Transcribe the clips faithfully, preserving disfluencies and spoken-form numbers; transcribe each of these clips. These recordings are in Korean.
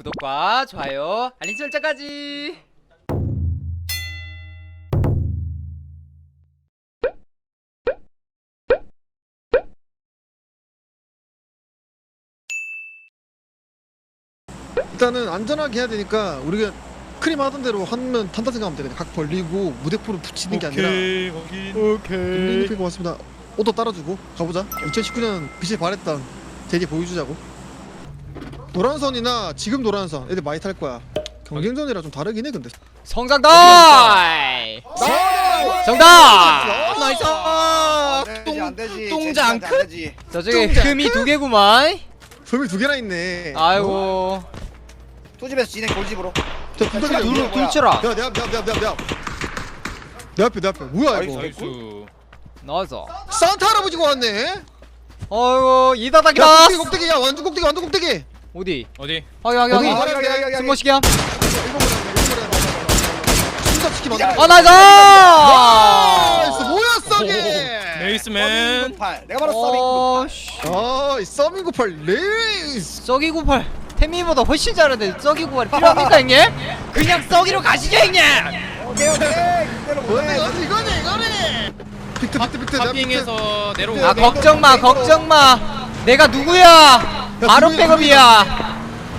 구독과 좋아요, 알림 설정까지. 일단은 안전하게 해야 되니까 우리가 크림 하던 대로 하면 탄다 생각하면 돼. 그냥 각 벌리고 무대포를 붙이는 게 아니라. 오케이 확인. 링 피고 왔습니다. 오도 따라주고 가보자. 이천십구 년 빛을 발했던 대게 보여주자고. 노란선이나 지금 노란선 애들 많이 탈 거야. 경쟁전이라 좀 다르긴 해 근데. 성장달 정답. 나이스. 안되지 안되지 똥장 안 되지. 저쪽에 똥장 흠이 두 개구만. 섬이 두 개나 있네. 아이고. 투집에서 진행 골집으로. 저 둘, 둘, 둘, 둘, 둘 치라. 야, 내 앞, 내 앞, 내 앞, 내 앞, 내 앞. 내 앞에, 내 앞에. 뭐야 이거? 나이스. 나와서. 산타 할아버지가 왔네. 아이고 야, 이다닥이다. 꼭대기, 꼭대기, 야, 완전 꼭대기, 완전 꼭대기. 어디? 어디? 확인 확인 어디? 확인. 여기 여기 여기 승모시경. 순삭시키 만들어. 아 나이스. 나이스, 뭐야, 썩이. 레이스맨. 서빙 내가 바로 어, 서빙 씨. 아, 이 서밍구팔 레이스. 썩이 구팔 태미보다 훨씬 잘하는데 썩이 구팔이 필요합니까 형님? 그냥 썩이로 가시죠 형님. 오케이 오케이 이대로 뭐야, 보내. 이거네, 이거네, 이거네. 빅트, 빅트, 빅트. 내가 파핑에서 내려오고. 아 걱정마 걱정마 내가 누구야. 바로 누구야, 백업이야.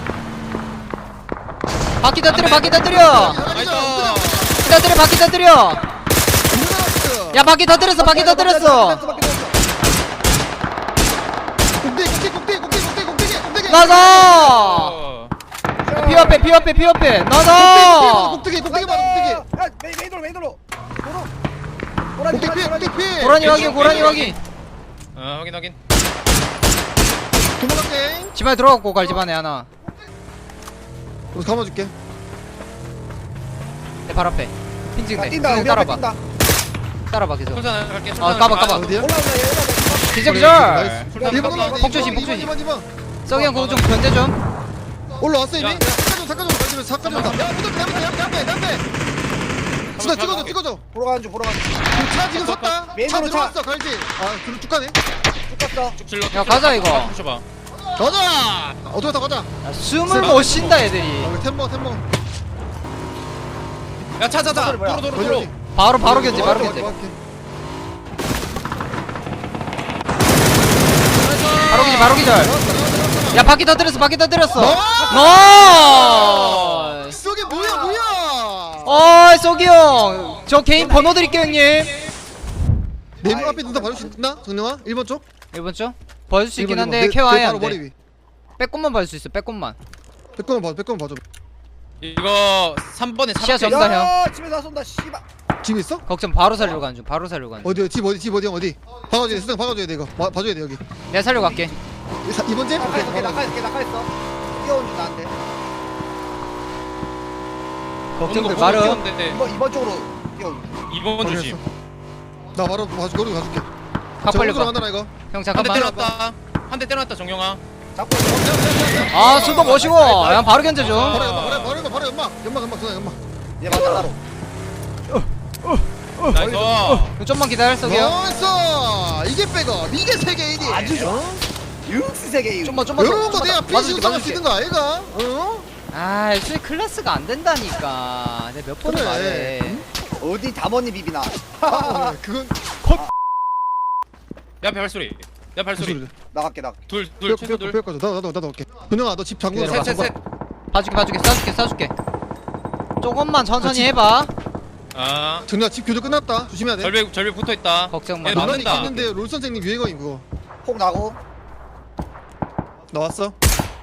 바퀴 터뜨려 바퀴 터뜨려 빅트. 터뜨려 바퀴 터뜨려. 야 바퀴 터뜨렸어 바퀴 터뜨렸어. 꼭대기, 꼭대기, 꼭대기, 꼭대기, 꼭대기, 꼭대기, 꼭대기. 나가. 어. 피업해 피업해 피업해 꼭대기, 나가. 꼭대기, 꼭대기 맞아, 꼭대기. 야 메인 메인 도로 메인 도로. 도로. 도라지 꼭대기 피해, 도라지. 꼭대기 피해. 고라니 확인 고라니 확인. 어 확인 확인. 도망갈게. 집안에 들어갔고 갈 집안에 하나. 우리 감아줄게. 내 발 앞에 핑 야, 찍네. 뛴다 그냥 우리 앞에 따라봐 뛴다. 따라봐 계속. 천천히 갈게. 아 천천히 까봐 갈게. 까봐. 어디야? 올라온다 얘 올라온다. 기절 나이스. 기절. 야, 일 번 올라와. 폭조심, 이 번, 폭조심. 이 번, 이 번. 썩이 형 그거 좀 견제 좀. 올라왔어 이미? 야. 야, 삭가져 삭가져 삭가져 삭가져 야 무덤 내 앞에 내 앞에 내 앞에 내 앞에 찍어 찍어줘 찍어줘 보러 가는 중 보러 가는 중. 차 지금 섰다 차 메인으로 차. 들어왔어 갈지 아 그럼 쭉 가네 쭉 갔어. 쭉 질러. 야, 가자, 이거. 붙여봐. 가자 어떻게 타 가자 야, 숨을 못 쉰다 애들이. 아 템버 템버 야 차차차. 뭐야? 도로 도로 도로. 바로 바로 견제 바로 어, 견제. 어, 어, 바로 기절 바로 기절. 나왔어, 나왔어, 야 바퀴 터뜨렸어 바퀴 터뜨렸어. 나왔어. 나이스. 썩이 뭐야 뭐야 어이 썩이 형. 저 개인 번호 드릴게요 형님. 내문 앞에 눈다 봐줄 수 있나? 정령아? 일 번 쪽? 일 번 쪽? 봐줄 수 있긴 일 번, 한데 일 번. 내- 케어해야 내 바로 머리 한대. 위 빼꼼만 봐줄 수 있어 빼꼼만. 백건만 봐줘 백건만 봐줘 이거 삼 번에 시야 사박혀 점- 쏜다, 야 집에서 쏜다 씨발. 짐 있어? 걱정 바로 살려고 가는 중 바로 살려고 가는 중. 어디 집 어디 집 어디 형 어디 박아줘야 돼 수정 박아줘야 돼 이거 봐- 봐줘야 돼 여기 내가 살려고 갈게. 이 번 집? 오케이 낙하했어 낙하했어 낙하했어. 뛰어온 줄 나한테. 걱정들 마름. 이번 이번 쪽으로 뛰어온. 이번 조심. 나 바로 봐줄게 거기 가줄게 각 벌려 봐. 하나 이거 형 한 대 잠깐만. 때려놨다. 한 대 때려놨다 정영아. 잡고 아 순도 멋이고. 야 바로 견제 좀. 바로 연막 바로 바로 연막 바로 연막 연막 연막 수정 연막 얘 맞아 따로. 나이스. 형 좀만 기다려 썩이 형. 나이스 이게 백업 이게 세계 일 위 아주 좋아. 육스 세계. 좀만 좀만. 이런 거 좀만 내가 더. 피시 맞아줄게, 우승할 수 맞아줄게. 있는 거 아이가? 어? 아, 애초에 클래스가 안 된다니까. 내가 몇 번을 그래. 말해. 어디 담원이 비비나. 어, 그건 야 발소리. 야 발소리. 나갈게 나. 둘둘 최소 둘. 뼈뼈뼈 나도 나도 나도 올게 근영아 너 집 잠그고 기다려봐. 가. 셋셋 셋. 봐줄게, 봐줄게, 쏴줄게, 쏴줄게. 조금만 천천히 해봐. 아. 정리야 집 교조 끝났다 조심해야 돼 절벽 절벽 붙어 있다. 걱정 마. 얘 논란이 맞는다. 있는데 롤 선생님 유행어인 그거 폭 나고. 나왔어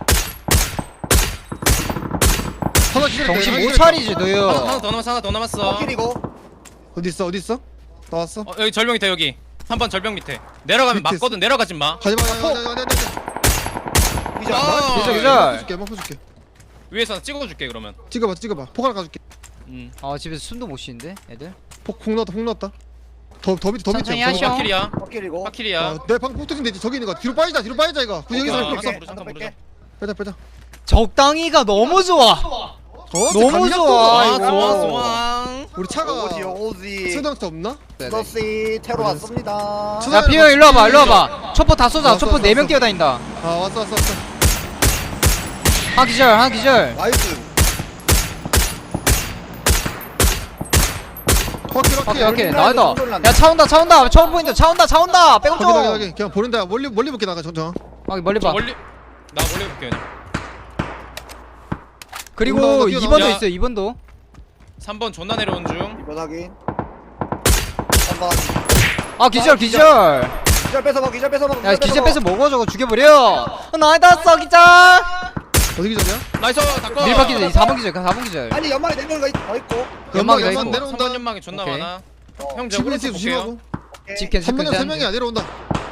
하나 기다렸다 정신 하나 못 기다렸다. 차리지, 하나, 너요. 하나 더 남았어 하나 더 남았어. 코끼리고. 어디 있어 어디 있어? 나왔어 어, 여기 절벽 밑에 여기. 삼 번 절벽 밑에. 내려가면 밑에 맞거든. 내려가지 마. 가지마 가지마 가지마 가지마 기절. 아. 기절, 어 기절. 줄게 먹고 줄게 위에서 찍어줄게 그러면. 찍어봐 찍어봐 폭 하나 가줄게 음. 아, 집에서 숨도 못 쉬는데, 애들? 폭폭 넣었다 폭 넣었다 더 더 밑에 더 밑에 천천히 더 하셔. 밑에. 파킬이야. 코끼리고. 파킬이야. 어, 내 방금 폭 터진데 저기 있는 거 뒤로 빠지자 뒤로 빠지자 이거 그 여기서 어, 이렇게 잠깐 뺄게. 부르자, 잠깐 부르자. 빼자 빼자 적당히가 너무 좋아. 어, 너무 감각도 좋아, 아 이거. 좋아 좋아. 우리 차가 오지 오지. 수당차 없나? 너씨 테러 왔습니다. 수- 야, 피어 일로 와봐, 일로 와봐. 초포 다 쏘자. 초포 네 명 뛰어다닌다. 아 왔어 왔어 왔어 하나 기절 하나 기절. 나이스. 오케이 오케이 오케이. 오케이 라인 나이다. 손절 난다. 야 차 온다 차 온다 차 보인다 차 온다 차 온다 백업 확인 확인 좀. 확인. 그냥 보낸다. 멀리 멀리 볼게 나가 정정. 확인 멀리 저 봐. 멀리 나 멀리 볼게 그냥. 그리고 올라온다, 이 뛰어나온다. 번도 야. 있어 이 번도. 삼 번 존나 내려온 중. 이번 확인. 한번. 아 기절 아, 기절. 기절 뺏어 먹. 기절 뺏어 먹. 야 기절 뺏어 먹어 저거 죽여버려. 어, 나이다 써 기절. 어디 기절이야? 나이스 닦어. 밀박 기절 사 번 기절 사 번 기절. 아니 연막에 내려온 거 더 있고. 연막이 더 연막 있고. 내려온다. 삼 번 연막이 존나 오케이. 많아. 어. 형 지금 저거 집 볼게요. 조심하고. 집캔 한 명이야 세 명이야 집캔 내려온다.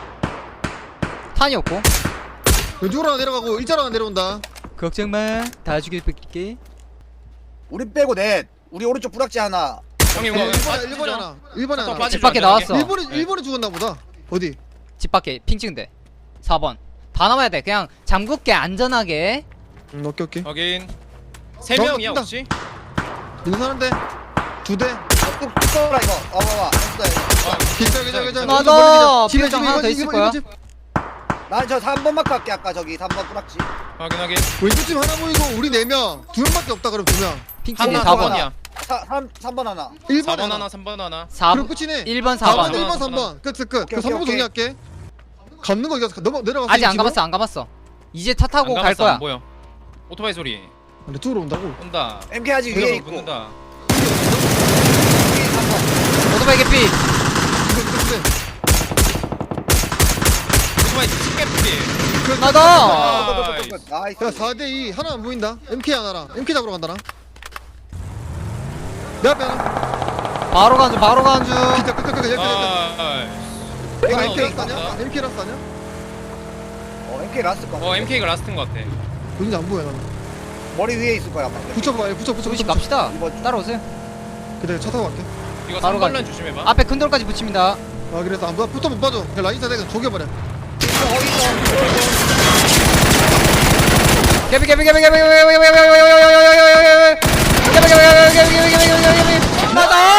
탄이 없고. 왼쪽으로 하나 내려가고 일자로 하나 내려온다. 걱정마 다 죽여볼게. 우리 빼고 넷. 우리 오른쪽 부락지 하나. 형님 이거 일 번에 빠지죠? 일 번에 하나. 일 번에 또 하나. 빠지죠, 집 밖에 안전하게. 나왔어. 일본에 네. 일본에 죽었나 보다. 어디? 집 밖에 핑 찍은데 사 번 다 남아야 돼. 그냥 잠글게 안전하게. 음, 오케이 오케이. 확인. 세 너, 명이야 뛴다. 혹시? 있는 사람인데 두 대. 뚝 뚝 이거. 어 봐봐. 됐어 이거. 기절 기절 기절. 맞아. 집에 비밀장 집에 하나 더 이번 있을 집, 거야. 이번 집. 난저 삼 번 마크 할게 아까 저기 삼 번 부락지. 확인 확인. 왼쪽 집 하나 보이고 우리 네 명. 두 명밖에 없다 그럼 두 명. 핑 찍은 하나 사 번 번이야. 삼 번 하나. 일 사 번에 번 하나. 하나 삼 번 하나. 사 그럼 번 끝이네. 일 번 사 사 번 번 일 번 삼 번. 끝 끝 끝. 오케이, 그 삼 번 오케이, 정리할게. 감는 거 이거 넘어 내려갔어. 아직 안 가봤어 안 가봤어. 이제 타 타고 안 갈 감았어, 거야. 안 보여. 오토바이 소리. 근데 쪽으로 온다고. 온다. 엠케이 아직 위에 그래서 있고. 붙는다. 여기 삼 번. 오토바이 개피. 근데 오토바이 집게 뿌리. 나다. 아, 나이스. 야 사 대 이 하나 안 보인다. 엠케이 하나랑 엠케이 잡으러 간다 나. 내 앞에 하나. 바로 간주 바로 간주. 기자 끝끝끝 여기 여기. 아, 내가 하나 엠케이 어디 엠케이 라스 아니야? 있다. 엠케이 라스 아니야? 어 엠케이 라스트 거. 어 엠케이가 라스트인 것 같아. 어딘지 안 보여 나는. 머리 위에 있을 거야. 아마. 붙여봐 붙여 붙여 조금씩 붙여. 갑시다. 이번 따라오세요. 그래 차 타고 갈게. 이거 바로 삼 번 가지. 라인 조심해봐. 앞에 큰 돌까지 붙입니다. 아 그래서 안 봐. 붙어 못 봐줘. 그냥 라인 사대가 조겨버려. 개피 개피 개피 개피 개피 개피 개피 개피 개피 개피 개피 개피 개피 개피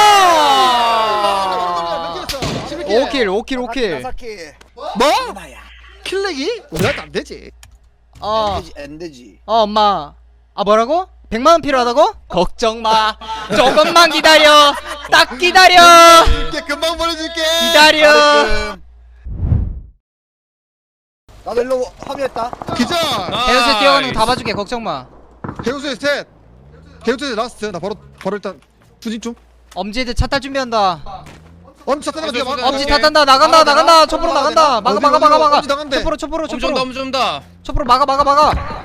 나다. 오 킬 오 킬 오 킬. 사킬. 뭐? 하나야. 킬렉이? 우리한테 안 되지. 어, 엔되지 엔되지. 어 엄마. 아 뭐라고? 백만 원 필요하다고? 걱정 마. 조금만 기다려. 딱 기다려. 이렇게 금방 보내줄게. 기다려. 나르끔. 나도 일로 합류했다. 기자. 대여섯 뛰어가는 거 다 봐줄게. 걱정 마. 해우소에 셋. 해우소에 라스트. 나 바로 바로 일단 투진 좀. 엄지들 차 탈 준비한다. 엄지 차 타는 거 해우소 막. 엄지 오케이. 다 탄다. 나간다 아, 나간다. 나가? 촛불로 나가, 나간다. 막아 어디, 막아 어디, 막아 막아. 어디 나간대? 촛불로 촛불로 엄청 촛불로. 더 엄청 더. 촛불로 막아 막아 막아.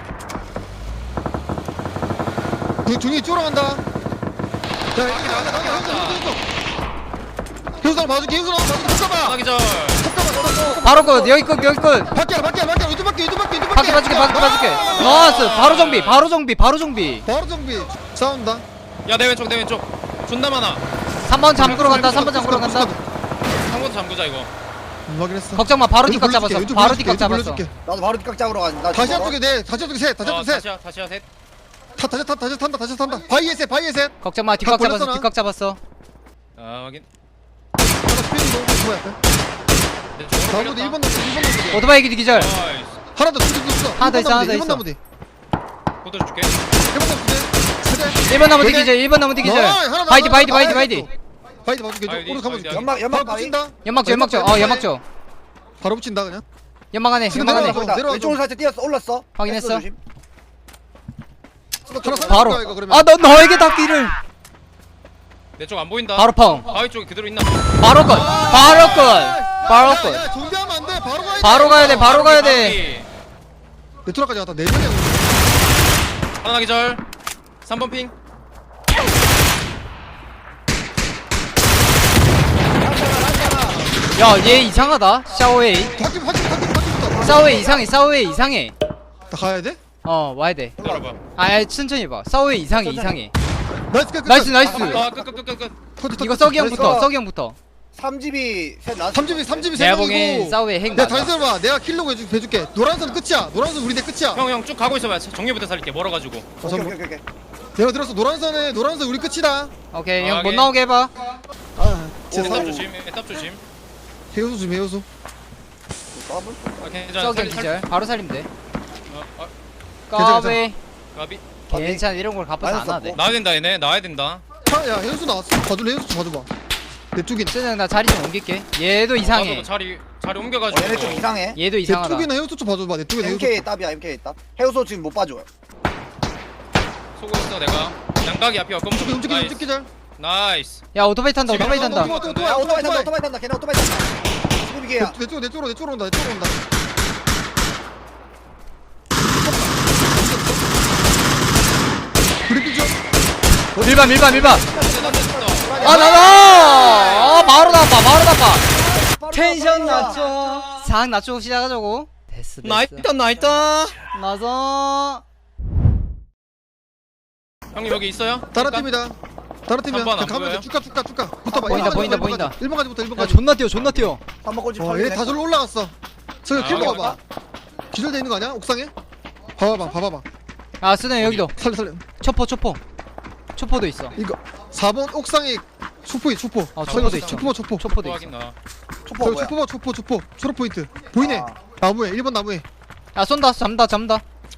그 중이 쫄아간다. 야, 여기 나간다. 나간다. 해우소 해우소. 해우소 봐줄게. 해우소 봐줄게. 붙어봐. 하나 기절. 바로 끝. 여기 끝 여기 끝. 밖에 밖에 밖에 이두 밖에 이두 밖에 이두 바퀴 봐줄게 바퀴 봐줄게. 나이스. 바로 정비 바로 정비 바로 정비. 바로 정비. 싸운다. 야 내 왼쪽 내 왼쪽. 존나 많아. 삼 번 잠그러 간다. 삼 번 잠그러 간다. 상고도 잠그자 이거. 음, 확인했어. 걱정 마. 바로 왼쪽 뒷각 불러줄게, 잡았어. 왼쪽 바로 불러줄게, 뒷각 왼쪽 잡았어. 불러줄게. 나도 바로 뒷각 잡으러 가. 나 다시 지금 한쪽에 네. 다시 한쪽에 셋. 다시 어, 한쪽에 셋. 다시야 다시야 셋. 타 다시 타 다시 탄다. 다시 탄다. 바이에 셋. 바이에 셋. 걱정 마. 뒷각 각 잡았어. 벌렸어, 뒷각 잡았어. 아 확인. 하나 스피드 뭐야? 내 쪽으로 나무도 끌렸다. 일 번 나무 일 번 나무. 오토바이 기디 기절. 나이스. 하나 더 투진 있어. 하나 더 있어, 하나 더 일 번 있어. 나무 뒤. 그것도 줄게. 일 번 나무 뒤. 일 번 남은 여기. 기절. 일 번 남은 기절. 나이, 하나 바이디 남았어. 바이디 바이디 아, 바이디. 바이디 봐줄게. 바이디, 오늘 가면 줄게. 바이디. 연막 연막 바로 바위. 붙인다. 연막 줘 연막 줘. 어 연막 줘. 바로 붙인다 그냥. 연막 안에 지금 연막 안에. 내려가서. 보인다. 내려와서. 왼쪽으로 살짝 뛰었어. 올랐어. 확인했어. 뺐어, 조심. 하나 바로. 쏘는 거야, 이거 그러면. 아 너 너에게 닿기를. 내 쪽 안 보인다. 바로 펑. 바위 쪽에 그대로 있나? 바로 끝. 바로 끝. 바로 야, 끝. 야, 정비하면 안 돼. 바로 가야 돼. 바로 가야 돼. 바로 가야 돼. 네트워크까지 갔다 네 명이야. 하나 기절. 삼 번 핑. 야 얘 이상하다. 샤오웨이. 바퀴 바퀴 바퀴 바퀴부터. 샤오웨이 이상해. 샤오웨이 이상해. 다 가야 돼? 어 와야 돼. 기다려봐. 아 아, 천천히 봐. 샤오웨이 이상해 이상해. 나이스 끝. 끝, 나이스 끝. 나이스. 아 끝 끝 끝 끝 끝. 터치, 터치, 이거 터치. 썩이 나이스. 형부터. 썩이 형부터. 삼 집이 셋 나왔어. 삼 집이 삼 집이 세 내가 보기엔 명이고. 샤오웨이 핵 내가 맞아. 다시 들어봐. 내가 킬로그 해줄- 해줄게. 노란선 끝이야. 노란선 우리 내 끝이야. 형 형 쭉 가고 있어봐. 정리부터 살릴게. 멀어가지고. 어, 오케이 잠깐만. 오케이 오케이. 내가 들었어. 노란선에 노란선 우리 끝이다. 오케이 아, 형 못 오케이. 나오게 해봐. 아, 진짜 에탑 오. 조심. 에탑 조심. 해우소 좀 해우소. 더블. 아 괜찮아. 썩이 형 살리- 기절. 바로 살리면 돼. 어, 어. 괜찮아, 까베. 까비. 괜찮아 이런 걸 갚아서 안 하대. 나와야 된다 얘네. 나와야 된다. 차, 야 현수 나왔어. 봐줄래? 현수 좀 봐줘봐. 내 쪽이나. 쓰는 나 자리 좀 옮길게. 얘도 이상해. 나도 자리 자리 어, 옮겨가지고. 얘네 좀 이상해. 얘도 내 이상하다. 쪽이나 현수 좀 봐줘봐. 내 쪽이나 현수. 엠케이 답이야 엠케이 답. 해우소 지금 못 봐줘. 쏘고 있어 내가. 양각이 앞이야. 검. 움직여 움직여 나이스. 움직여 잘. 나이스. 야 오토바이 탄다. 오토바이 야, 탄다. 또, 또, 또, 야 또, 오토바이 탄다 오토바이. 오토바이 탄다. 걔네 오토바이 탄다. 지금 이게야. 내 쪽, 내 쪽으로 내 쪽으로 온다. 내 쪽으로 온다. 브리핑 좀. 밀반 밀반 밀반. 아 아 나가. 아 바로 나빠 바로 나빠. 텐션 낮춰. 상 낮추고 시작하자고. 됐어 됐어. 나이다 나이다. 나서. 형님 여기 있어요? 다른 팀이다. 다른 팀이야. 삼 번 안 가면 보여요? 돼. 쭉가 쭉가 쭉가. 붙어봐. 보인다, 일 번까지, 보인다, 일 번까지. 보인다. 일 번까지부터 일 야 번까지. 존나 뛰어 존나 뛰어. 밥 먹고 집 어, 얘 다 절로 올라갔어. 저기 아, 킬 여기 봐봐. 기절돼 있는 거 아니야? 옥상에? 봐봐봐, 봐봐봐. 아 쓰네 여기도. 살려, 살려. 초포 초포. 초포도 있어. 이거 사 번 옥상에 초포이 초포. 어, 살려, 초포도 있죠. 초포, 초포. 초포도 확인 있어. 나. 초포 저기 뭐야? 초포, 초포, 초포. 초록 포인트. 보이네. 아. 나무에 일 번 나무에. 야 쏜다 잠다 잠다.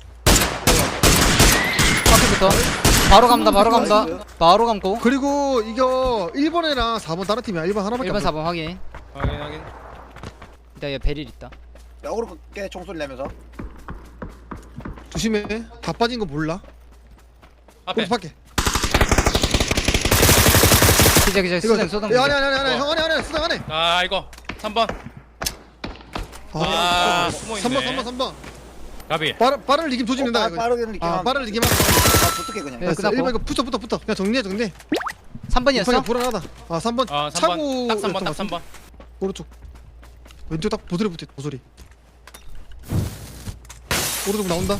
앞에부터. 바로 감다 바로 감다. 바로 감고. 그리고 이거 일 번이랑 사 번 다른 팀이야. 일 번 하나밖에 일 번 안 사 번 확인. 확인 확인. 일단 얘 베릴 있다. 야 오르고 깨 총소리 내면서. 보여. 조심해. 다 빠진 거 몰라. 앞에. 오른쪽 밖에. 기자 기자 이거 수등 수등. 야, 아니 아니 아니 아니. 어. 형 아니 아니. 수당 안해. 아 이거 삼 번. 아, 아, 숨어 삼 번 있네. 삼 번 삼 번. 가비. 빠르 빠르를 이기면 조짐된다 어, 이거. 빠르게 느낌. 아, 빠르를 이기면. 아 붙을게 그냥. 네, 됐어. 끝났고. 일 번 이거 붙어 붙어 붙어. 그냥 정리해 정리해. 삼 번이었어? 이판이 불안하다. 아, 삼 번. 아 삼 번. 차고 딱 삼 번 딱 삼 번. 오른쪽. 왼쪽 딱 보드레 붙어. 보소리. 오른쪽 나온다.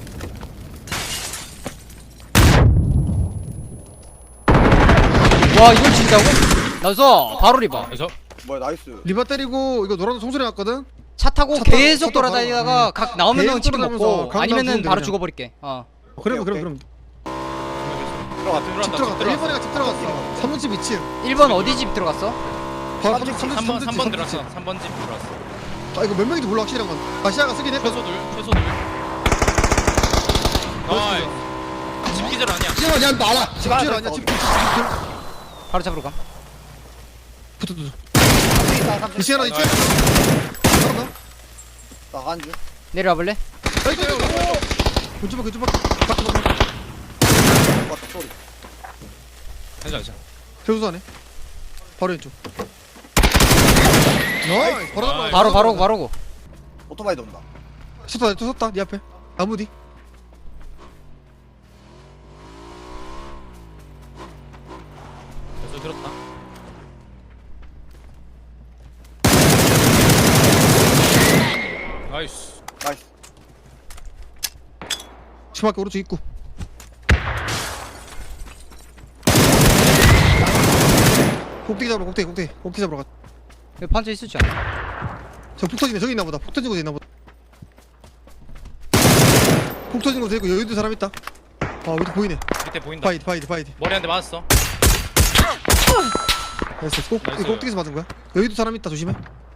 와 이걸 진짜고? 나서 바로 리바. 그래서 뭐야 나이스. 리바 때리고 이거 노란 송소리 났거든. 차 타고 차 타고, 계속 차 타고 돌아다니다가 각 나오면은 계속 치킨 돌아다니면서 먹고 각 아니면은 나오면 바로 그냥. 죽어버릴게. 어. 그러면 오케이, 그럼 들어가. 그럼 집 들어왔다. 들어갔다. 일 번이가 집 들어갔어. 삼 번 집 이 층. 일 번 어디 집 들어갔어? 바로 삼 집, 삼 번 삼 번 집, 삼 집, 번 집. 들어왔어. 삼 번 집 들어왔어. 아 이거 몇 명인지 몰라 확실한 건. 아시아가 쓰긴 했거든. 최소 둘. 최소 둘. 아이. 집 기절 아니야. 지금 그냥 나라. 집 하나 줄 더 아니야. 있어. 집 줄. 집 줄. 바로 잡으러 감. 붙어 붙어. 삼층 있다 삼층. 이 시간에 있지? 바로 가. 나간 줄. 내려와 볼래? 아이고 아이고. 왼쪽 밖 왼쪽 밖. 밖에 밖에. 맞다 소리. 괜찮아 괜찮아. 대우수 안에. 바로 왼쪽. 나이스. 바로 나이스. 바로 바로 바로고. 오토바이도 온다. 섰다 또 섰다. 네 앞에. 나무 뒤. 그래서 들었다. 나이스. 나이스. 치마게 오른쪽 입구. 꼭대기 잡으러 꼭대기 꼭대기 꼭대기 잡으러 가. 여기 판자 있을지 않아? 저 폭 터지네. 저기 있나 보다. 폭 터진 곳에 있나 보다. 폭 터진 곳에 있고 여기도 사람 있다. 아 여기도 보이네. 밑에 보인다. 바이디 바이디 바이디. 머리 한 대 맞았어. 됐어. 꼭 나이스. 이거 꼭대기에서 맞은 거야. 여기도 사람 있다. 조심해.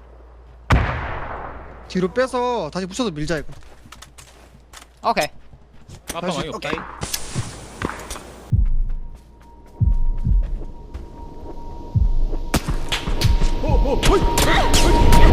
뒤로 빼서 다시 붙여서 밀자 이거. 오케이. 아빠 많이 없다. 오케이. 오오 호이.